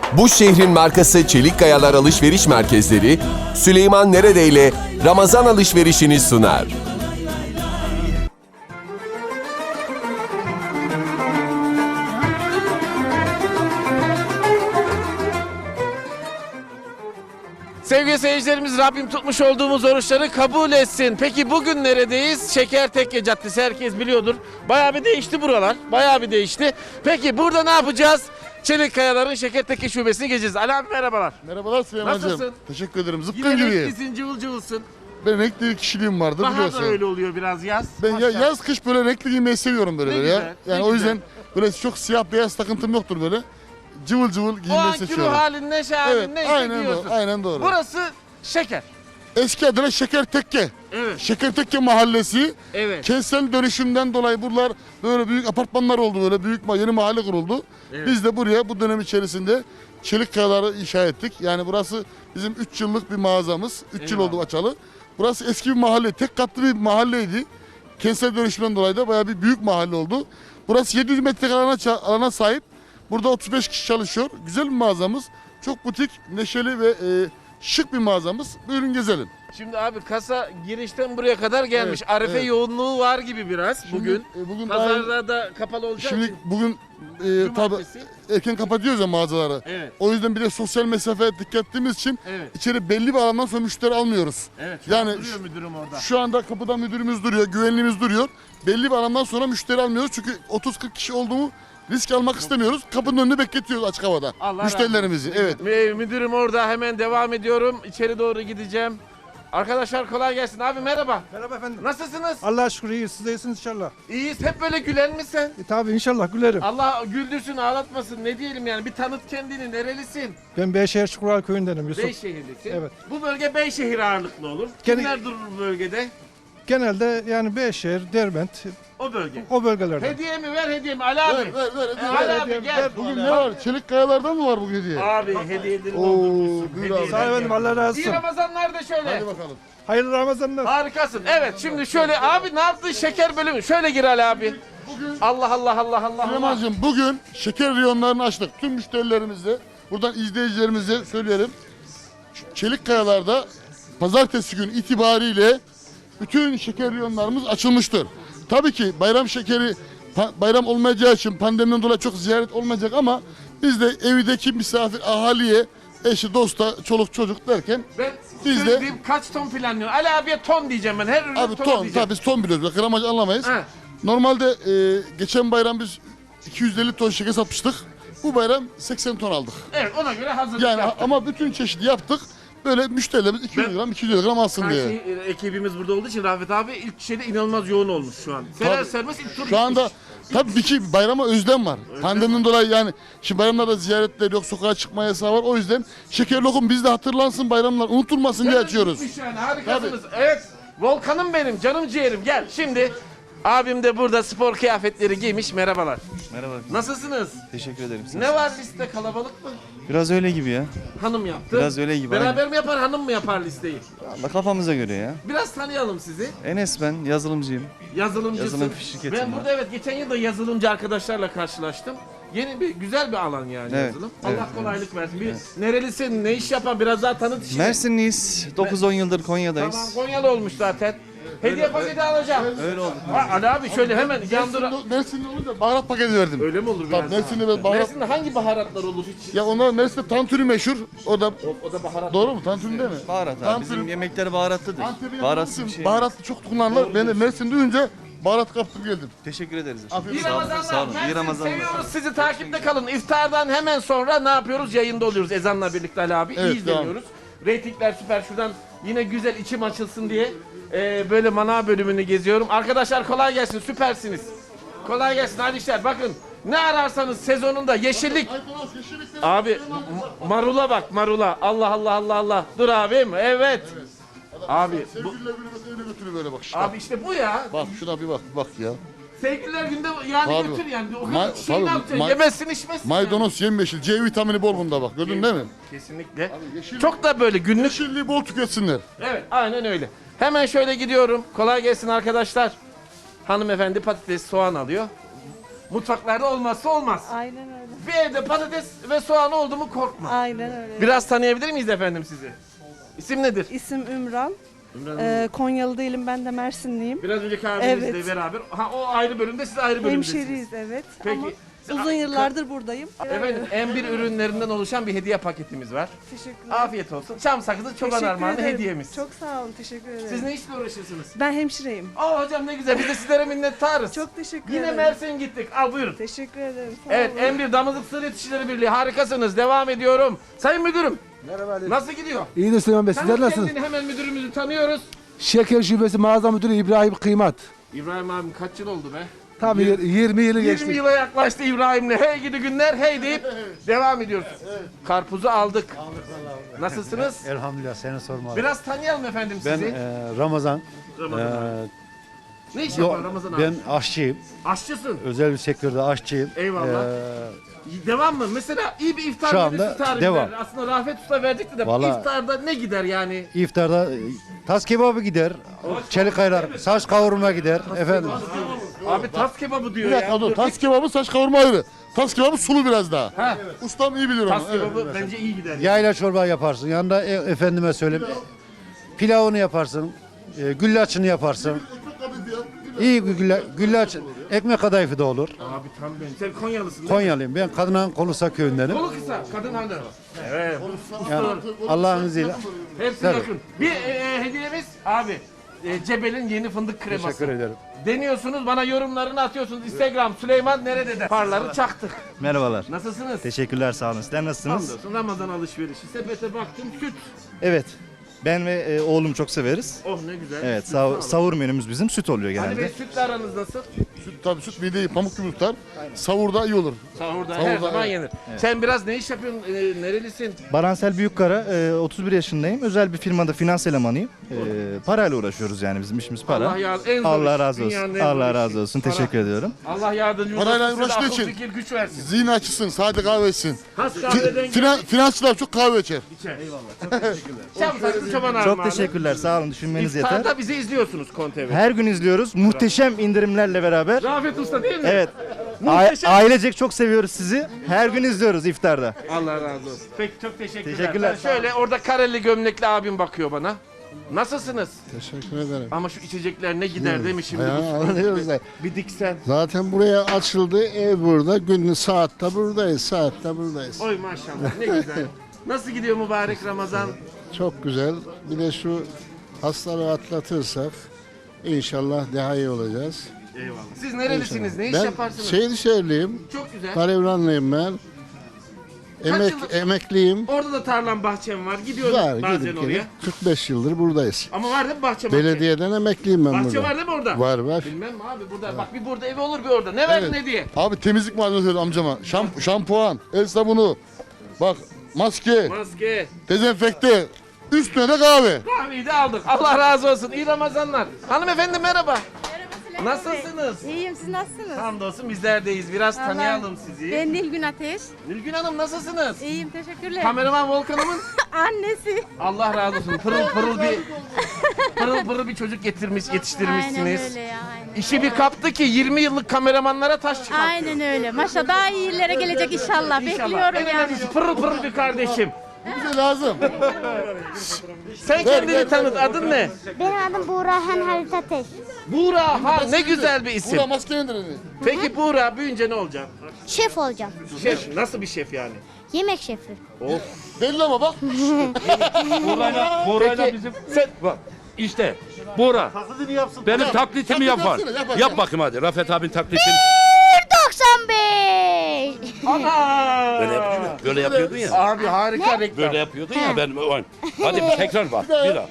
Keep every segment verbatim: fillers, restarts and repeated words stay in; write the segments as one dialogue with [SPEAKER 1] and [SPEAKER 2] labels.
[SPEAKER 1] Bu şehrin markası Çelik Kayalar Alışveriş Merkezleri, Süleyman Nerede ile Ramazan alışverişini sunar.
[SPEAKER 2] Sevgili seyircilerimiz, Rabbim tutmuş olduğumuz oruçları kabul etsin. Peki bugün neredeyiz? Şekertekke Caddesi, herkes biliyordur. Bayağı bir değişti buralar. Bayağı bir değişti. Peki burada ne yapacağız? Çelik Kayalar'ın Şekertekke şubesini gezeceğiz. Ali abi merhabalar.
[SPEAKER 3] Merhabalar Süleyman'cığım.
[SPEAKER 2] Nasılsın?
[SPEAKER 3] Teşekkür ederim.
[SPEAKER 2] Yine
[SPEAKER 3] Zıpkın gibiyim.
[SPEAKER 2] renklisin, cıvıl cıvılsın.
[SPEAKER 3] Ben renkli bir kişiliğim vardır
[SPEAKER 2] Bahar da
[SPEAKER 3] biliyorsun.
[SPEAKER 2] öyle oluyor biraz, yaz.
[SPEAKER 3] Ben ya,
[SPEAKER 2] Maşallah.
[SPEAKER 3] yaz kış böyle renkli giymeyi seviyorum böyle,
[SPEAKER 2] Ne
[SPEAKER 3] böyle
[SPEAKER 2] güzel,
[SPEAKER 3] ya.
[SPEAKER 2] ne
[SPEAKER 3] Yani o
[SPEAKER 2] güzel.
[SPEAKER 3] yüzden böyle çok siyah beyaz takıntım yoktur böyle. Cıvıl cıvıl
[SPEAKER 2] O
[SPEAKER 3] giymeyi
[SPEAKER 2] anki ruh
[SPEAKER 3] seçiyorum.
[SPEAKER 2] halin, neşe halin
[SPEAKER 3] Evet,
[SPEAKER 2] neyse
[SPEAKER 3] aynen
[SPEAKER 2] giyiyorsun.
[SPEAKER 3] doğru, aynen doğru.
[SPEAKER 2] Burası Şeker.
[SPEAKER 3] Eski adıyla Şekertekke.
[SPEAKER 2] Evet.
[SPEAKER 3] Şekertekke Mahallesi.
[SPEAKER 2] Evet.
[SPEAKER 3] Kentsel dönüşümden dolayı buralar böyle büyük apartmanlar oldu, böyle büyük ma- yeni mahalle kuruldu.
[SPEAKER 2] Evet.
[SPEAKER 3] Biz de buraya bu dönem içerisinde Çelik Kayaları inşa ettik. Yani burası bizim üç yıllık bir mağazamız. üç yıl
[SPEAKER 2] Eyvallah.
[SPEAKER 3] oldu açalı. Burası eski bir mahalle, tek katlı bir mahalleydi. Kentsel dönüşümden dolayı da bayağı bir büyük mahalle oldu. Burası yedi yüz metrekare alana, ça- alana sahip. Burada otuz beş kişi çalışıyor. Güzel bir mağazamız. Çok butik, neşeli ve e, şık bir mağazamız. Buyurun gezelim.
[SPEAKER 2] Şimdi abi kasa girişten buraya kadar gelmiş.
[SPEAKER 3] Evet,
[SPEAKER 2] Arife
[SPEAKER 3] evet.
[SPEAKER 2] yoğunluğu var gibi biraz
[SPEAKER 3] Şimdi,
[SPEAKER 2] bugün.
[SPEAKER 3] e, bugün daha-
[SPEAKER 2] Pazarda da kapalı olacak.
[SPEAKER 3] Şimdi bugün e, tabi
[SPEAKER 2] Cumartesi.
[SPEAKER 3] erken kapatıyoruz ya mağazaları.
[SPEAKER 2] Evet.
[SPEAKER 3] O yüzden bir de sosyal mesafeye dikkat ettiğimiz için
[SPEAKER 2] Evet.
[SPEAKER 3] içeri belli bir alandan sonra müşteri almıyoruz.
[SPEAKER 2] Evet. Şu
[SPEAKER 3] Yani
[SPEAKER 2] an duruyor müdürüm orada.
[SPEAKER 3] Şu anda kapıda müdürümüz duruyor, güvenliğimiz duruyor. Belli bir alandan sonra müşteri almıyoruz çünkü otuz kırk kişi olduğumu risk almak istemiyoruz. Kapının önünde bekletiyoruz açık havada
[SPEAKER 2] Allah
[SPEAKER 3] müşterilerimizi.
[SPEAKER 2] razı olsun.
[SPEAKER 3] Evet.
[SPEAKER 2] Mü- Müdürüm orada, hemen devam ediyorum. İçeri doğru gideceğim. Arkadaşlar kolay gelsin. Abi merhaba.
[SPEAKER 4] Merhaba efendim.
[SPEAKER 2] Nasılsınız?
[SPEAKER 4] Allah'a şükür iyiyiz. Siz de iyisiniz inşallah.
[SPEAKER 2] İyiyiz. Hep böyle gülen misin?
[SPEAKER 4] E, tabii inşallah gülerim.
[SPEAKER 2] Allah güldürsün, ağlatmasın. Ne diyelim yani? Bir tanıt kendini. Nerelisin?
[SPEAKER 4] Ben Beyşehir Çukural köyündenim Yusuf.
[SPEAKER 2] Beyşehirlisin.
[SPEAKER 4] Evet.
[SPEAKER 2] Bu bölge Beyşehir ağırlıklı olur.
[SPEAKER 4] Gene-
[SPEAKER 2] Kimler durur bu bölgede?
[SPEAKER 4] Genelde yani Beyşehir, Derbent
[SPEAKER 2] O bölge.
[SPEAKER 4] o bögelerde.
[SPEAKER 2] Hediye mi ver, hediye mi? Ali abi.
[SPEAKER 3] Ver, ver, ver, hediye
[SPEAKER 2] Ali
[SPEAKER 3] ver.
[SPEAKER 2] abi
[SPEAKER 4] hediye
[SPEAKER 2] gel.
[SPEAKER 4] ver.
[SPEAKER 3] Bugün ne var? Çelik kayalardan mı var bu hediye?
[SPEAKER 2] Abi hediyeleri
[SPEAKER 3] Oo,
[SPEAKER 2] doldurmuşsun.
[SPEAKER 3] buyur
[SPEAKER 2] Hediyeler
[SPEAKER 3] abi.
[SPEAKER 4] Sağ ol efendim,
[SPEAKER 2] geldi.
[SPEAKER 4] Allah razı
[SPEAKER 2] İyi
[SPEAKER 4] olsun.
[SPEAKER 2] Ramazanlar da şöyle.
[SPEAKER 3] Hadi bakalım.
[SPEAKER 4] Hayırlı Ramazanlar.
[SPEAKER 2] Harikasın. Evet, şimdi şöyle abi ne yaptın, şeker bölümü? Şöyle gir Ali abi.
[SPEAKER 3] Bugün
[SPEAKER 2] Allah Allah Allah Allah Allah.
[SPEAKER 3] Süleyman'cığım bugün şeker reyonlarını açtık. Tüm müşterilerimize, buradan izleyicilerimize söyleyelim. Ç- Çelik Kayalar'da pazartesi gün itibariyle bütün şeker reyonlarımız açılmıştır. Tabii ki bayram şekeri pa- bayram olmayacağı için pandemiden dolayı çok ziyaret olmayacak ama biz de evdeki misafir ahaliye, eşi, dosta, çoluk çocuk derken
[SPEAKER 2] Ben
[SPEAKER 3] Biz de-
[SPEAKER 2] söyleyeyim, kaç ton planlıyorsun? Ali abiye ton diyeceğim ben. Her ürün
[SPEAKER 3] abi
[SPEAKER 2] ton,
[SPEAKER 3] ton,
[SPEAKER 2] diyeceğim.
[SPEAKER 3] tabii biz ton biliyoruz. Bak, gramaj anlamayız.
[SPEAKER 2] Ha.
[SPEAKER 3] Normalde e, geçen bayram biz iki yüz elli ton şeker satmıştık. Bu bayram seksen ton aldık.
[SPEAKER 2] Evet, ona göre hazırlık
[SPEAKER 3] Yani
[SPEAKER 2] yaptık.
[SPEAKER 3] ama bütün çeşidi yaptık. Böyle müşterilerimiz iki yüz
[SPEAKER 2] Ben-
[SPEAKER 3] gram, iki yüz elli gram alsın diye.
[SPEAKER 2] Karşı e, ekibimiz burada olduğu için Rafet abi ilk şeyde inanılmaz yoğun olmuş şu an. Serer
[SPEAKER 3] Tabii.
[SPEAKER 2] sermez ilk tur
[SPEAKER 3] Şu anda
[SPEAKER 2] gitmiş.
[SPEAKER 3] tabii ki bayrama özlem var. Pandemiden dolayı yani şimdi bayramlarda ziyaretler yok, sokağa çıkma yasağı var. O yüzden şeker lokum bizde hatırlansın, bayramlar unutulmasın diye
[SPEAKER 2] Hemen
[SPEAKER 3] açıyoruz.
[SPEAKER 2] gitmiş Yani, harikasınız. Evet, Volkan'ım benim, canım ciğerim. Gel şimdi. Abim de burada spor kıyafetleri giymiş. Merhabalar.
[SPEAKER 5] Merhaba.
[SPEAKER 2] Nasılsınız?
[SPEAKER 5] Teşekkür ederim. Siz-
[SPEAKER 2] Ne var liste, kalabalık mı?
[SPEAKER 5] Biraz öyle gibi ya.
[SPEAKER 2] Hanım yaptı.
[SPEAKER 5] Biraz öyle gibi,
[SPEAKER 2] Beraber
[SPEAKER 5] aynen.
[SPEAKER 2] mi yapar, hanım mı yapar listeyi?
[SPEAKER 5] Allah kafamıza göre ya.
[SPEAKER 2] Biraz tanıyalım sizi.
[SPEAKER 5] Enes ben, yazılımcıyım.
[SPEAKER 2] Yazılımcısın.
[SPEAKER 5] Yazılım şirketim
[SPEAKER 2] Ben
[SPEAKER 5] var.
[SPEAKER 2] burada evet geçen yıl da yazılımcı arkadaşlarla karşılaştım. Yeni bir güzel bir alan yani
[SPEAKER 5] Evet,
[SPEAKER 2] yazılım.
[SPEAKER 5] evet,
[SPEAKER 2] Allah kolaylık versin. Bir nerelisin, ne iş yapan biraz daha tanıt işini.
[SPEAKER 5] Mersinliyiz. dokuz on yıldır
[SPEAKER 2] Tamam,
[SPEAKER 5] Konya'dayız.
[SPEAKER 2] Konyalı olmuş zaten. Hediye paketi alacağım.
[SPEAKER 5] Öyle oldu.
[SPEAKER 2] Ha, Ali abi şöyle hemen yandıra...
[SPEAKER 3] Mersinli, Mersinli olunca baharat paketi verdim.
[SPEAKER 2] Öyle mi olur biraz?
[SPEAKER 3] Tabii Mersin'de ben baharat...
[SPEAKER 2] Mersin'de hangi baharatlar olur hiç?
[SPEAKER 3] Ya onlar Mersin'de tantuni meşhur. O da
[SPEAKER 2] O, o da baharat.
[SPEAKER 3] doğru mu? Tantuni değil mi?
[SPEAKER 5] Baharat abi.
[SPEAKER 3] Tantuni-
[SPEAKER 5] Bizim yemekler baharatlıdır.
[SPEAKER 3] Antep'e
[SPEAKER 5] Baharatsız bir
[SPEAKER 3] yakın
[SPEAKER 5] şey.
[SPEAKER 3] baharatlı çok kullanılır. Ben de Mersin duyunca baharat kaptım geldim.
[SPEAKER 5] Teşekkür ederiz.
[SPEAKER 2] İyi
[SPEAKER 5] Sağ olun.
[SPEAKER 2] Ramazanlar.
[SPEAKER 5] Sağ olun. İyi
[SPEAKER 2] Mersin,
[SPEAKER 5] Ramazanlar.
[SPEAKER 2] seviyoruz sizi, takipte kalın. İftardan hemen sonra ne yapıyoruz? Yayında oluyoruz ezanla birlikte Ali abi.
[SPEAKER 3] Evet,
[SPEAKER 2] İyi izleniyoruz. Reytingler süper. Şuradan yine güzel içim açılsın diye e, böyle manav bölümünü geziyorum. Arkadaşlar kolay gelsin, süpersiniz. Kolay gelsin, hadi işler. Bakın ne ararsanız sezonunda yeşillik. Abi m- marula bak, marula. Allah Allah Allah Allah. Dur abim, evet. Abi bu,
[SPEAKER 3] Sevgililer günü mesela öyle götürüyor böyle bak. Işte.
[SPEAKER 2] abi işte bu ya.
[SPEAKER 3] Bak şuna bir bak bak ya.
[SPEAKER 2] Sevgililer günde yani
[SPEAKER 3] Tabii.
[SPEAKER 2] götür yani. O
[SPEAKER 3] Ma-
[SPEAKER 2] kadar şey ne
[SPEAKER 3] tabii,
[SPEAKER 2] yapacaksın?
[SPEAKER 3] ma-
[SPEAKER 2] Yemezsin, içmezsin. yani.
[SPEAKER 3] Maydanoz yemyeşil. C vitamini bol bunda bak. Gördün değil mi?
[SPEAKER 2] Kesinlikle.
[SPEAKER 3] yeşil-
[SPEAKER 2] Çok da böyle günlük.
[SPEAKER 3] Yeşilliği bol tüketsinler.
[SPEAKER 2] Evet, aynen öyle. Hemen şöyle gidiyorum. Kolay gelsin arkadaşlar. Hanımefendi patates, soğan alıyor. Mutfaklarda olmazsa olmaz.
[SPEAKER 6] Aynen öyle.
[SPEAKER 2] Bir evde patates ve soğan oldu mu korkma.
[SPEAKER 6] Aynen öyle.
[SPEAKER 2] Biraz tanıyabilir miyiz efendim sizi? İsim nedir?
[SPEAKER 6] İsim Ümran.
[SPEAKER 2] Ümran
[SPEAKER 6] Ee, Konyalı değilim, ben de Mersinliyim.
[SPEAKER 2] Biraz önceki abimizle
[SPEAKER 6] Evet.
[SPEAKER 2] beraber. Ha, o ayrı bölümde, siz ayrı bölümdesiniz.
[SPEAKER 6] Hemşeriyiz evet.
[SPEAKER 2] Peki.
[SPEAKER 6] Ama uzun yıllardır buradayım.
[SPEAKER 2] Efendim M bir ürünlerinden oluşan bir hediye paketimiz var.
[SPEAKER 6] Teşekkürler.
[SPEAKER 2] Afiyet olsun. Çam sakızı çoban
[SPEAKER 6] Teşekkür
[SPEAKER 2] armağanı
[SPEAKER 6] ederim.
[SPEAKER 2] hediyemiz.
[SPEAKER 6] Çok sağ olun, teşekkür ederim.
[SPEAKER 2] Siz ne işle uğraşırsınız?
[SPEAKER 6] Ben hemşireyim.
[SPEAKER 2] Aa hocam ne güzel. Biz de sizlere minnettarız.
[SPEAKER 6] Çok teşekkür
[SPEAKER 2] Yine
[SPEAKER 6] ederim.
[SPEAKER 2] Mersin gittik. Al buyurun.
[SPEAKER 6] Teşekkür ederim. Sağ
[SPEAKER 2] Evet
[SPEAKER 6] olun.
[SPEAKER 2] M bir Damızlık Sığır Yetişçileri Birliği harikasınız. Devam ediyorum. Sayın müdürüm.
[SPEAKER 7] Merhaba.
[SPEAKER 2] Nasıl gidiyor?
[SPEAKER 7] İyidir Süleyman Bey, sizler
[SPEAKER 2] Tanıt
[SPEAKER 7] nasılsınız?
[SPEAKER 2] kendini, hemen müdürümüzü tanıyoruz.
[SPEAKER 7] Şeker Şubesi Mağaza Müdürü İbrahim Kıymat.
[SPEAKER 2] İbrahim abim kaç yıl oldu be?
[SPEAKER 7] Tam yir- yirmi yılı geçti.
[SPEAKER 2] yirmi yıla yaklaştı İbrahim'le. Hey gidi günler hey deyip devam ediyoruz. Karpuzu aldık. Nasılsınız?
[SPEAKER 8] Elhamdülillah, seni sormalı.
[SPEAKER 2] Biraz tanıyalım efendim
[SPEAKER 8] Ben
[SPEAKER 2] sizi.
[SPEAKER 8] e, Ramazan.
[SPEAKER 2] Ramazan abi.
[SPEAKER 8] e,
[SPEAKER 2] Ne iş
[SPEAKER 8] yo-
[SPEAKER 2] yapar Ramazan abi?
[SPEAKER 8] ben aşçıyım.
[SPEAKER 2] Aşçısın.
[SPEAKER 8] Özel bir sektörde aşçıyım.
[SPEAKER 2] Eyvallah.
[SPEAKER 8] E,
[SPEAKER 2] Devam mı? Mesela iyi bir iftar
[SPEAKER 8] Şu
[SPEAKER 2] menüsü
[SPEAKER 8] anda
[SPEAKER 2] tarifi
[SPEAKER 8] devam.
[SPEAKER 2] ver. Aslında Rafet Usta verdikti de
[SPEAKER 8] Vallahi-
[SPEAKER 2] iftarda ne gider yani?
[SPEAKER 8] iftarda e, tas kebabı gider. Çelik ayran, saç kavurma gider. Efendim.
[SPEAKER 2] Abi tas kebabı diyor
[SPEAKER 3] Bir dakika
[SPEAKER 2] ya.
[SPEAKER 3] dur. Tas kebabı, saç kavurma ayrı. Tas kebabı sulu biraz daha.
[SPEAKER 2] Ha.
[SPEAKER 3] Ustam iyi bilir onu.
[SPEAKER 2] Tas
[SPEAKER 3] Evet.
[SPEAKER 2] kebabı bence iyi gider.
[SPEAKER 8] Yayla çorba yaparsın. Yanında e, efendime söyleyeyim. e, Pilavını yaparsın. E, güllaçını yaparsın. İyi bir gülla, güllaç, ekmek kadayıfı da olur.
[SPEAKER 2] Abi tam ben. Sen Konyalısın değil mi?
[SPEAKER 8] Konyalıyım. Ben Kadınan Kolusa köyündenim.
[SPEAKER 2] Kolu kısa, kadın hanım. Evet.
[SPEAKER 8] Yani Allah'ın izniyle.
[SPEAKER 2] Hepsi
[SPEAKER 8] Tabii.
[SPEAKER 2] yakın. Bir e, hediyemiz abi. E, Cebel'in yeni fındık kreması.
[SPEAKER 8] Teşekkür ederim.
[SPEAKER 2] Deniyorsunuz, bana yorumlarını atıyorsunuz. Instagram Süleyman nerede de. Parları çaktık.
[SPEAKER 9] Merhabalar.
[SPEAKER 2] Nasılsınız?
[SPEAKER 9] Teşekkürler, sağ olun. Sizler nasılsınız?
[SPEAKER 2] Hamdolsun. Ramazan alışverişi. Sepete baktım süt.
[SPEAKER 9] Evet. Ben ve e, oğlum çok severiz.
[SPEAKER 2] Oh ne güzel.
[SPEAKER 9] Evet,
[SPEAKER 2] Süt sağ olun.
[SPEAKER 9] sav- sahur menümüz bizim süt oluyor
[SPEAKER 2] Ali Bey
[SPEAKER 9] genelde.
[SPEAKER 2] sütle aranız nasıl?
[SPEAKER 3] Süt, tabii süt mideyi pamuk gibi tutar. Savurda iyi olur.
[SPEAKER 2] Sahurda, her
[SPEAKER 3] Sahurda,
[SPEAKER 2] zaman
[SPEAKER 3] evet.
[SPEAKER 2] yenir. Sen biraz ne iş yapıyorsun? E, nerelisin?
[SPEAKER 9] Baransel Büyükkara, e, otuz bir yaşındayım. Özel bir firmada finans elemanıyım. E, parayla uğraşıyoruz yani, bizim işimiz para.
[SPEAKER 2] Allah yar- en zor
[SPEAKER 9] Allah
[SPEAKER 2] iş,
[SPEAKER 9] razı olsun.
[SPEAKER 2] dünyanın en zor
[SPEAKER 9] Allah
[SPEAKER 2] işi.
[SPEAKER 9] razı olsun.
[SPEAKER 2] Para.
[SPEAKER 9] Teşekkür ediyorum.
[SPEAKER 2] Allah yardımcınız
[SPEAKER 3] Parayla
[SPEAKER 2] olsun. Size
[SPEAKER 3] uğraştığı
[SPEAKER 2] akıl
[SPEAKER 3] için.
[SPEAKER 2] fikir güç versin.
[SPEAKER 3] Zihin açısın, sade kahve içsin.
[SPEAKER 2] Has
[SPEAKER 3] Fi-
[SPEAKER 2] kahveden
[SPEAKER 3] finan, finansçılar çok kahve içer.
[SPEAKER 2] geçer. Eyvallah. Çok teşekkürler. Çam saklı çoban
[SPEAKER 9] Çok
[SPEAKER 2] armağanı.
[SPEAKER 9] teşekkürler. Sağ olun. Düşünmeniz yeter.
[SPEAKER 2] İftarda bizi izliyorsunuz Kontev.
[SPEAKER 9] Her gün izliyoruz. Muhteşem indirimlerle beraber.
[SPEAKER 2] Rafet Usta değil mi?
[SPEAKER 9] Evet.
[SPEAKER 2] Muhteşem.
[SPEAKER 9] A- ailecek çok seviyoruz sizi. Her gün izliyoruz iftarda.
[SPEAKER 2] Allah razı olsun. Peki çok teşekkürler.
[SPEAKER 9] Teşekkürler.
[SPEAKER 2] Ben şöyle orada kareli gömlekli abim bakıyor bana. Nasılsınız?
[SPEAKER 10] Teşekkür ederim.
[SPEAKER 2] Ama şu içecekler ne gider değil mi şimdi?
[SPEAKER 10] Ya,
[SPEAKER 2] bu-
[SPEAKER 10] anlıyoruz da.
[SPEAKER 2] Bir diksen.
[SPEAKER 10] Zaten buraya açıldı, ev burada, günlü saatte buradayız, saatte buradayız.
[SPEAKER 2] Oy maşallah ne güzel. Nasıl gidiyor mübarek Ramazan?
[SPEAKER 10] Çok güzel. Bir de şu hastalığı atlatırsak inşallah daha iyi olacağız.
[SPEAKER 2] Eyvallah. Siz nerelisiniz? Ne iş
[SPEAKER 10] Ben
[SPEAKER 2] yaparsınız?
[SPEAKER 10] Şehirşehirliyim,
[SPEAKER 2] Çok güzel.
[SPEAKER 10] Karevranlıyım ben. Emek,
[SPEAKER 2] yıllık-
[SPEAKER 10] emekliyim.
[SPEAKER 2] Orada da tarlam bahçem var. Gidiyorum
[SPEAKER 10] Var,
[SPEAKER 2] bazen
[SPEAKER 10] gidip
[SPEAKER 2] oraya.
[SPEAKER 10] gelip kırk beş yıldır buradayız.
[SPEAKER 2] Ama var değil mi bahçe bahçe?
[SPEAKER 10] Belediyeden emekliyim ben
[SPEAKER 2] Bahçe
[SPEAKER 10] burada.
[SPEAKER 2] var değil mi orada?
[SPEAKER 10] Var var.
[SPEAKER 2] Bilmem mi abi burada. Bak bir burada evi olur bir orada. Ne verdin
[SPEAKER 3] Evet.
[SPEAKER 2] hediye?
[SPEAKER 3] Abi temizlik malzemesi söyledi amcama. Şamp şampuan, el sabunu, bak maske,
[SPEAKER 2] Maske.
[SPEAKER 3] dezenfekte, üstüne de kahve.
[SPEAKER 2] Kahveyi de aldık. Allah razı olsun. İyi Ramazanlar. Hanımefendi merhaba. Nasılsınız?
[SPEAKER 6] İyiyim, siz nasılsınız?
[SPEAKER 2] Hamdolsun bizlerdeyiz. Biraz
[SPEAKER 6] Allah-
[SPEAKER 2] tanıyalım sizi.
[SPEAKER 6] Ben Nilgün Ateş.
[SPEAKER 2] Nilgün Hanım nasılsınız?
[SPEAKER 6] İyiyim, teşekkürler.
[SPEAKER 2] Kameraman Volkan'ımın
[SPEAKER 6] Annesi.
[SPEAKER 2] Allah razı olsun. Pırıl pırıl bir pırıl pırıl bir çocuk getirmiş, yetiştirmişsiniz.
[SPEAKER 6] Aynen öyle ya, aynen.
[SPEAKER 2] İşi bir kaptı ki yirmi yıllık kameramanlara taş çıkarttı.
[SPEAKER 6] Aynen öyle. Maşallah daha iyi yerlere gelecek inşallah.
[SPEAKER 2] İnşallah.
[SPEAKER 6] Bekliyorum
[SPEAKER 2] En
[SPEAKER 6] yani.
[SPEAKER 2] önemlisi pırıl pırıl bir kardeşim.
[SPEAKER 3] Bu bize lazım.
[SPEAKER 2] Sen kendini tanıt. Adın ne?
[SPEAKER 11] Benim adım Buğrahan Halit Ateş.
[SPEAKER 2] Buğra. Ha ne güzel bir isim.
[SPEAKER 3] Burada maske indirin.
[SPEAKER 2] Peki Buğra büyüyünce ne olacak?
[SPEAKER 11] Şef olacağım.
[SPEAKER 2] Şef. Nasıl bir şef yani?
[SPEAKER 11] Yemek şefi.
[SPEAKER 3] Belli ama bak.
[SPEAKER 12] Buğra'yla bizim
[SPEAKER 2] Sen
[SPEAKER 12] bak işte Buğra benim taklitimi
[SPEAKER 3] Taklit
[SPEAKER 12] yapar.
[SPEAKER 3] yapsana, yap hadi.
[SPEAKER 12] Yap bakayım hadi Rafet abin taklitini.
[SPEAKER 11] doksan beş.
[SPEAKER 2] Ana!
[SPEAKER 12] Böyle yapıyordun, böyle yapıyordun ya.
[SPEAKER 2] Abi harika reklam.
[SPEAKER 12] Böyle yapıyordun ya ben. Hadi bir tekrar bak. Bir daha.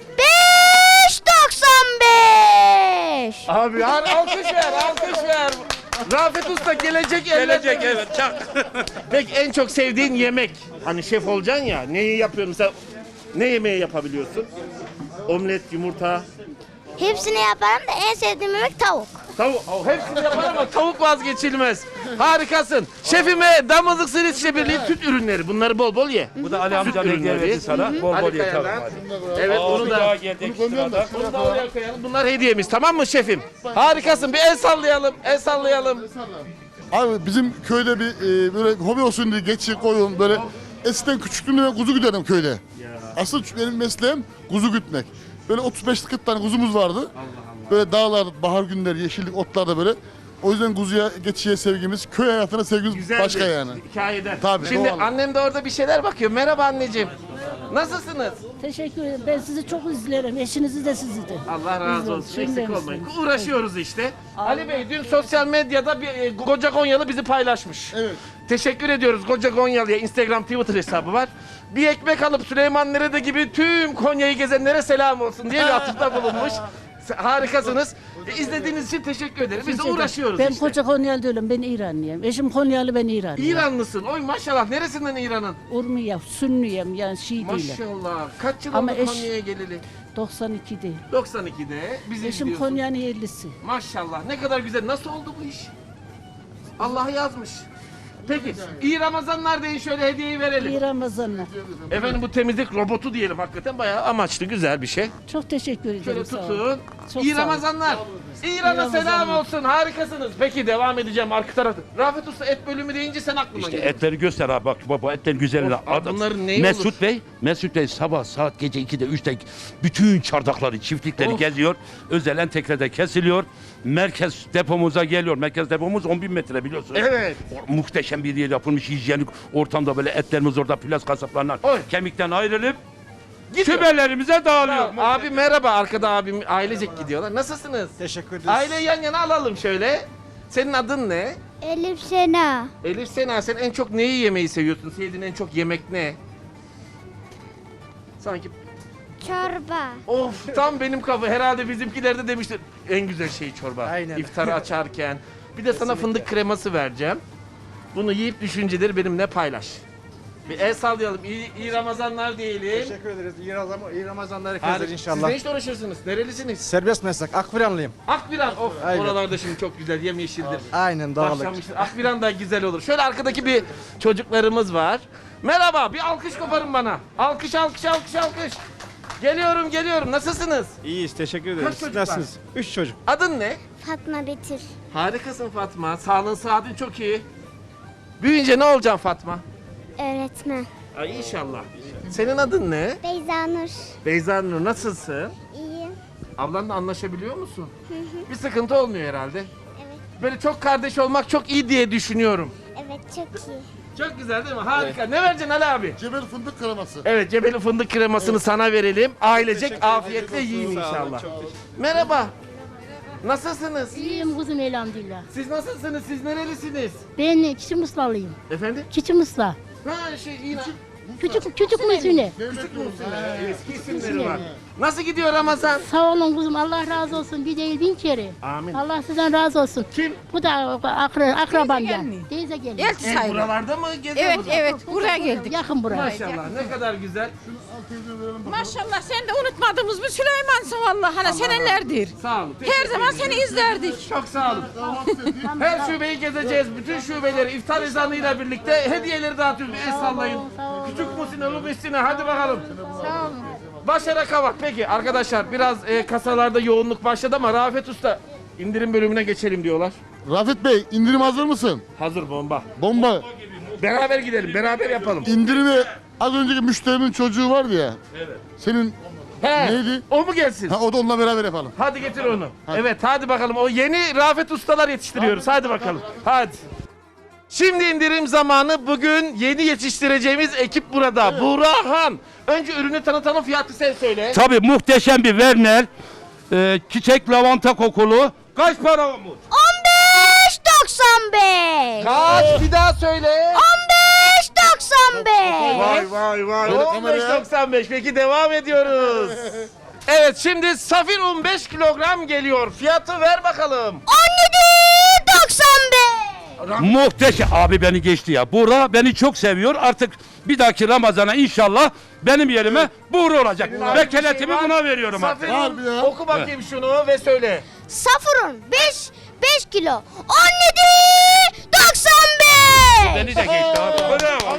[SPEAKER 11] beş doksan beş.
[SPEAKER 2] Abi har alkış ver, alkış ver. Rafet Usta gelecek
[SPEAKER 12] Gelecek
[SPEAKER 2] ellerde-
[SPEAKER 12] evet çak.
[SPEAKER 2] Peki en çok sevdiğin yemek? Hani şef olacaksın ya, neyi yapıyorsun? Mesela ne yemeği yapabiliyorsun? Omlet, yumurta,
[SPEAKER 11] Hepsini yaparım da en sevdiğim yemek tavuk.
[SPEAKER 2] tavuk. Oh, hepsini yapar ama tavuk vazgeçilmez. Harikasın. Şefime Damızlık Sığır Yetişleri Birliği süt ürünleri. Bunları bol bol ye.
[SPEAKER 12] Bu da Ali amca hediye
[SPEAKER 2] ürünleri.
[SPEAKER 12] verdi sana. Bol bol
[SPEAKER 2] Hadi
[SPEAKER 12] ye tamam
[SPEAKER 2] Kaya'dan.
[SPEAKER 12] hadi.
[SPEAKER 2] Evet
[SPEAKER 12] Aa,
[SPEAKER 2] onu
[SPEAKER 12] bir
[SPEAKER 2] da.
[SPEAKER 12] daha geldik sırada.
[SPEAKER 2] Bunu da oraya koyalım. Bunlar hediyemiz tamam mı şefim? Harikasın. Bir el sallayalım. El sallayalım.
[SPEAKER 3] Abi bizim köyde bir e, böyle hobi olsun diye geçi koyun böyle. Eskiden küçüklüğümde ben kuzu güderdim köyde. Asıl benim mesleğim kuzu gütmek. Böyle otuz beş kırk tane kuzumuz vardı. Böyle dağlar, bahar günleri, yeşillik, otlarda böyle. O yüzden kuzuya, geçiye sevgimiz, köy hayatına sevgimiz
[SPEAKER 2] Güzel
[SPEAKER 3] başka
[SPEAKER 2] bir
[SPEAKER 3] yani.
[SPEAKER 2] hikayeden.
[SPEAKER 3] Tabii,
[SPEAKER 2] Şimdi
[SPEAKER 3] doğal.
[SPEAKER 2] annem de orada bir şeyler bakıyor. Merhaba anneciğim. Nasılsınız?
[SPEAKER 13] Teşekkür ederim. Ben sizi çok izlerim. Eşinizi de sizi de.
[SPEAKER 2] Allah razı
[SPEAKER 13] İzliyorum.
[SPEAKER 2] olsun.
[SPEAKER 13] Şimdi
[SPEAKER 2] Eksik olmayın.
[SPEAKER 13] misiniz?
[SPEAKER 2] Uğraşıyoruz işte. Ali Bey dün sosyal medyada bir e, Koca Gonyalı bizi paylaşmış.
[SPEAKER 3] Evet.
[SPEAKER 2] Teşekkür ediyoruz Koca Gonyalı'ya. Instagram, Twitter hesabı var. Bir ekmek alıp Süleyman Nerede gibi tüm Konya'yı gezenlere selam olsun diye bir atıfta bulunmuş. Harikasınız. E, İzlediğiniz için teşekkür ederim. Biz de uğraşıyoruz
[SPEAKER 13] Ben
[SPEAKER 2] işte.
[SPEAKER 13] koca Konyalı değilim. Ben İranlıyım. Eşim Konyalı, ben İranlıyım.
[SPEAKER 2] İranlısın. Oy maşallah. Neresinden İran'ın?
[SPEAKER 13] Urmiye, Sünniyim yani Şii değilim.
[SPEAKER 2] Maşallah. Kaç yıl
[SPEAKER 13] Ama
[SPEAKER 2] oldu
[SPEAKER 13] eş-
[SPEAKER 2] Konya'ya geleli?
[SPEAKER 13] doksan ikide.
[SPEAKER 2] doksan ikide bizi
[SPEAKER 13] Eşim
[SPEAKER 2] izliyorsun.
[SPEAKER 13] Konya'nın yerlisi.
[SPEAKER 2] Maşallah. Ne kadar güzel. Nasıl oldu bu iş? Allah yazmış. Peki. İyi Ramazanlar deyin, şöyle hediyeyi verelim.
[SPEAKER 13] İyi Ramazanlar.
[SPEAKER 2] Efendim bu temizlik robotu diyelim, hakikaten bayağı amaçlı, güzel bir şey.
[SPEAKER 13] Çok teşekkür ederim.
[SPEAKER 2] Şöyle
[SPEAKER 13] sağ olun.
[SPEAKER 2] tutun.
[SPEAKER 13] Çok
[SPEAKER 2] İyi
[SPEAKER 13] sağ olun.
[SPEAKER 2] Ramazanlar. İran'a
[SPEAKER 13] İyi
[SPEAKER 2] selam
[SPEAKER 13] Ramazanlar.
[SPEAKER 2] olsun. Harikasınız. Peki devam edeceğim arka tarafta. Rafet Usta et bölümü deyince sen aklıma
[SPEAKER 12] İşte
[SPEAKER 2] geldi.
[SPEAKER 12] etleri göster abi, bak baba etler güzel.
[SPEAKER 2] Of, abi bunların neyi
[SPEAKER 12] Mesut
[SPEAKER 2] olur?
[SPEAKER 12] Bey, Mesut Bey sabah saat gece ikide üçte bütün çardakları, çiftlikleri
[SPEAKER 2] Of.
[SPEAKER 12] geziyor. Özel entegrede kesiliyor. Merkez depomuza geliyor. Merkez depomuz on bin metre biliyorsunuz.
[SPEAKER 2] Evet.
[SPEAKER 12] O- Muhteşem bir yer yapılmış, hijyenik ortamda böyle etlerimiz orada plaz kasaplarından
[SPEAKER 2] Oy.
[SPEAKER 12] kemikten ayrılıp
[SPEAKER 2] Gidiyor.
[SPEAKER 12] kümelerimize dağılıyor.
[SPEAKER 2] Abi merhaba, arkada abim ailecek gidiyorlar. Nasılsınız?
[SPEAKER 4] Teşekkür ederiz.
[SPEAKER 2] Aileyi yan yana alalım şöyle. Senin adın ne?
[SPEAKER 11] Elif Sena.
[SPEAKER 2] Elif Sena, sen en çok neyi yemeyi seviyorsun? Sevdiğin en çok yemek ne? Sanki
[SPEAKER 11] Çorba.
[SPEAKER 2] of tam benim kafa, herhalde bizimkiler de demiştir en güzel şey çorba.
[SPEAKER 4] Aynen.
[SPEAKER 2] İftarı açarken. Bir de sana fındık kreması vereceğim. Bunu yiyip düşünceleri benimle paylaş. Bir el sallayalım. İyi, iyi Ramazanlar diyelim.
[SPEAKER 4] Teşekkür ederiz. İyi, Ramazan, iyi Ramazanlar
[SPEAKER 2] Harika.
[SPEAKER 4] herkese
[SPEAKER 2] Siz
[SPEAKER 4] inşallah.
[SPEAKER 2] ne işle uğraşırsınız? Nerelisiniz?
[SPEAKER 4] Serbest meslek. Akviranlıyım.
[SPEAKER 2] Akbiran. Of,
[SPEAKER 4] Aynen.
[SPEAKER 2] oralarda şimdi çok güzel yemyeşildir.
[SPEAKER 4] Aynen dağlık.
[SPEAKER 2] Başlamıştır. Akbiran da güzel olur. Şöyle arkadaki bir çocuklarımız var. Merhaba, bir alkış koparın bana. Alkış, alkış, alkış, alkış. Geliyorum, geliyorum. Nasılsınız?
[SPEAKER 4] İyiyiz. Teşekkür
[SPEAKER 2] Kaç çocuk var?
[SPEAKER 4] Nasılsınız? Üç çocuk.
[SPEAKER 2] Adın ne?
[SPEAKER 11] Fatma Betir.
[SPEAKER 2] Harikasın Fatma. Sağlığın, sıhhatin çok iyi. Büyüyünce ne olacaksın Fatma?
[SPEAKER 11] Öğretmen.
[SPEAKER 2] Ay inşallah. Senin adın ne?
[SPEAKER 11] Beyza Nur.
[SPEAKER 2] Beyza Nur, nasılsın?
[SPEAKER 11] İyiyim.
[SPEAKER 2] Ablanla anlaşabiliyor musun? Bir sıkıntı olmuyor herhalde.
[SPEAKER 11] Evet.
[SPEAKER 2] Böyle çok kardeş olmak çok iyi diye düşünüyorum.
[SPEAKER 11] Evet, çok iyi.
[SPEAKER 2] Çok güzel değil mi? Harika. Ne vereceksin Ali abi?
[SPEAKER 3] Cebel fındık kreması.
[SPEAKER 2] Evet, Cebeli fındık kremasını sana verelim. Ailecek afiyetle yiyin inşallah. Merhaba. Nasılsınız?
[SPEAKER 13] İyiyim kuzum elhamdülillah.
[SPEAKER 2] Siz nasılsınız? Siz nerelisiniz?
[SPEAKER 13] Ben Çiçi Musla'lıyım.
[SPEAKER 2] Efendim?
[SPEAKER 13] Çiçi Musla.
[SPEAKER 2] Ha şey yine.
[SPEAKER 13] Küçük küçük müsüne.
[SPEAKER 2] Küçük Muhsin. Eski isimleri var. Nasıl gidiyor Ramazan?
[SPEAKER 13] Sağ olun kuzum. Allah razı olsun. Bir değil bin kere.
[SPEAKER 2] Amin.
[SPEAKER 13] Allah sizden razı olsun.
[SPEAKER 2] Kim?
[SPEAKER 13] Bu da akra, akrabam ya. Teyze geliyor.
[SPEAKER 2] E, buralarda mı geziyorsunuz?
[SPEAKER 6] Evet, buraya geldik.
[SPEAKER 13] Yakın buraya.
[SPEAKER 2] Maşallah ne kadar güzel.
[SPEAKER 6] Maşallah sen de unutmadığımız bir Süleyman'sın vallahi. Hani senelerdir.
[SPEAKER 2] Sağ olun.
[SPEAKER 6] Her zaman seni izlerdik.
[SPEAKER 2] Çok sağ olun. Her şubeyi gezeceğiz. Bütün şubeleri iftar ezanıyla birlikte hediyeleri dağıtıyoruz. El sallayın. Küçük Muhsin'e, Lubistin'e hadi bakalım.
[SPEAKER 13] Sağ olun.
[SPEAKER 2] Başara Kavak. Peki arkadaşlar biraz e, kasalarda yoğunluk başladı ama Rafet Usta indirim bölümüne geçelim diyorlar.
[SPEAKER 3] Rafet Bey, indirim hazır mısın?
[SPEAKER 2] Hazır bomba.
[SPEAKER 3] Bomba.
[SPEAKER 2] Beraber gidelim, beraber yapalım.
[SPEAKER 3] İndirimi az önceki müşterinin çocuğu vardı ya. Evet. Senin
[SPEAKER 2] He,
[SPEAKER 3] neydi?
[SPEAKER 2] o mu gelsin?
[SPEAKER 3] Ha, o da onunla beraber yapalım.
[SPEAKER 2] Hadi getir onu. Evet hadi bakalım. O yeni Rafet Ustalar yetiştiriyoruz. Hadi bakalım. Hadi. Şimdi indirim zamanı. Bugün yeni yetiştireceğimiz ekip burada. Burhan. Önce ürünü tanıtalım, fiyatı sen söyle.
[SPEAKER 12] Tabii muhteşem bir Werner, e, çiçek lavanta kokulu. Kaç para olmuş?
[SPEAKER 11] on beş doksan beş.
[SPEAKER 2] Kaç? Bir daha söyle.
[SPEAKER 11] on beş doksan beş.
[SPEAKER 2] Vay vay vay.
[SPEAKER 3] Böyle
[SPEAKER 2] on beş
[SPEAKER 3] kameraya.
[SPEAKER 2] doksan beş. Peki devam ediyoruz. Evet şimdi safir un beş kilogram geliyor. Fiyatı ver bakalım.
[SPEAKER 11] on yedi doksan beş.
[SPEAKER 12] Muhteşem. Abi beni geçti ya. Buğra beni çok seviyor. Artık bir dahaki Ramazan'a inşallah benim yerime Buğra olacak. Vekeletimi buna veriyorum artık.
[SPEAKER 2] Safir un.
[SPEAKER 3] Harbi ya.
[SPEAKER 2] Oku bakayım şunu ve söyle.
[SPEAKER 11] Safurun beş beş kilo. on yedi doksan beş.
[SPEAKER 12] Beni de geçti abi. Bravo.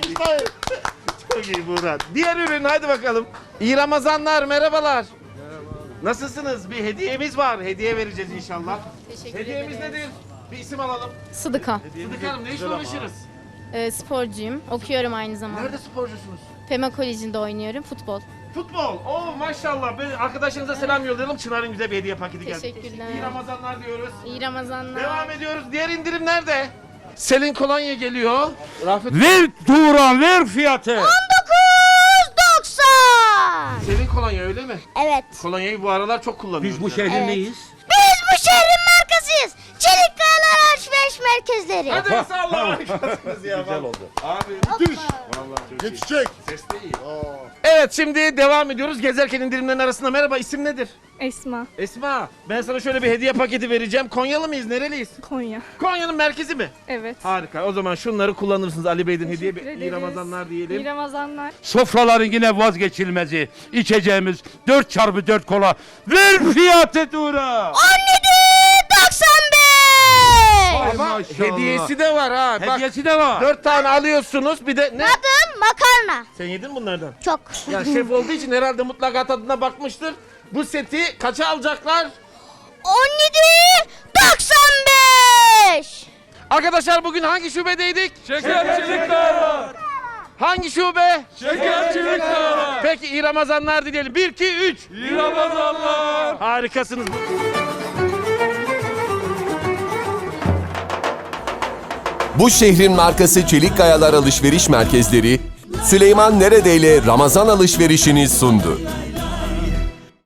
[SPEAKER 2] Çok iyi Buğra. Diğer ürün hadi bakalım. İyi Ramazanlar, merhabalar. Nasılsınız? Bir hediyemiz var. Hediye vereceğiz inşallah. Hediyemiz nedir? Bir isim alalım.
[SPEAKER 14] Sıdıka.
[SPEAKER 2] Sıdık Hanım ne işle uğraşırız?
[SPEAKER 14] Ee, sporcuyum. Okuyorum aynı zamanda.
[SPEAKER 2] Nerede sporcusunuz?
[SPEAKER 14] Fema Koleji'nde oynuyorum. Futbol.
[SPEAKER 2] Futbol. Oo maşallah. Ben arkadaşınıza selam yollayalım. Çınar'ın güzel bir hediye paketi geldi.
[SPEAKER 14] Teşekkürler.
[SPEAKER 2] İyi Ramazanlar diyoruz.
[SPEAKER 14] İyi Ramazanlar.
[SPEAKER 2] Devam ediyoruz. Diğer indirim nerede? Selin kolonya geliyor. Rafet
[SPEAKER 12] Ver Turan ver fiyatı.
[SPEAKER 11] on dokuz doksan.
[SPEAKER 2] Selin kolonya öyle mi?
[SPEAKER 11] Evet.
[SPEAKER 2] Kolonyayı bu aralar çok kullanıyoruz.
[SPEAKER 12] Biz bu
[SPEAKER 2] yani.
[SPEAKER 12] şehrin
[SPEAKER 11] Evet.
[SPEAKER 12] neyiz?
[SPEAKER 11] Biz bu şehrin markasıyız. Çelik Kayalar Alışveriş Merkezleri.
[SPEAKER 2] Hadi sağ olun. Güzel oldu. Abi
[SPEAKER 3] Müthiş. Geçecek.
[SPEAKER 2] ses de iyi. Evet şimdi devam ediyoruz. Gezerken indirimlerin arasında merhaba isim nedir?
[SPEAKER 14] Esma.
[SPEAKER 2] Esma. Ben sana şöyle bir hediye paketi vereceğim. Konyalı mıyız? Nereliyiz?
[SPEAKER 14] Konya.
[SPEAKER 2] Konya'nın merkezi mi?
[SPEAKER 14] Evet.
[SPEAKER 2] Harika. O zaman şunları kullanırsınız Ali Bey'den hediye. İyi
[SPEAKER 14] ederiz.
[SPEAKER 2] Ramazanlar diyelim.
[SPEAKER 14] Ramazanlar.
[SPEAKER 12] Sofraların yine vazgeçilmezi. İçeceğimiz dört çarpı dört kola. Ver fiyatı Turan.
[SPEAKER 11] on yedi doksan beş.
[SPEAKER 2] Ama
[SPEAKER 12] maşallah.
[SPEAKER 2] hediyesi de var ha. Bak
[SPEAKER 12] Hediyesi de var.
[SPEAKER 2] dört tane alıyorsunuz. Bir de ne?
[SPEAKER 11] Adım makarna.
[SPEAKER 2] Sen yedin bunlardan.
[SPEAKER 11] Çok.
[SPEAKER 2] Ya şef olduğu için herhalde mutlaka tadına bakmıştır. Bu seti kaça alacaklar?
[SPEAKER 11] on yedi doksan beş.
[SPEAKER 2] Arkadaşlar bugün hangi şubedeydik?
[SPEAKER 12] Şekercilik var.
[SPEAKER 2] Hangi şube?
[SPEAKER 12] Şekercilik var.
[SPEAKER 2] Peki iyi Ramazanlar dileyelim. bir, iki, üç.
[SPEAKER 12] İyi Ramazanlar.
[SPEAKER 2] Harikasınız.
[SPEAKER 1] Bu şehrin markası Çelik Kayalar Alışveriş Merkezleri, Süleyman Neredeyle Ramazan alışverişini sundu.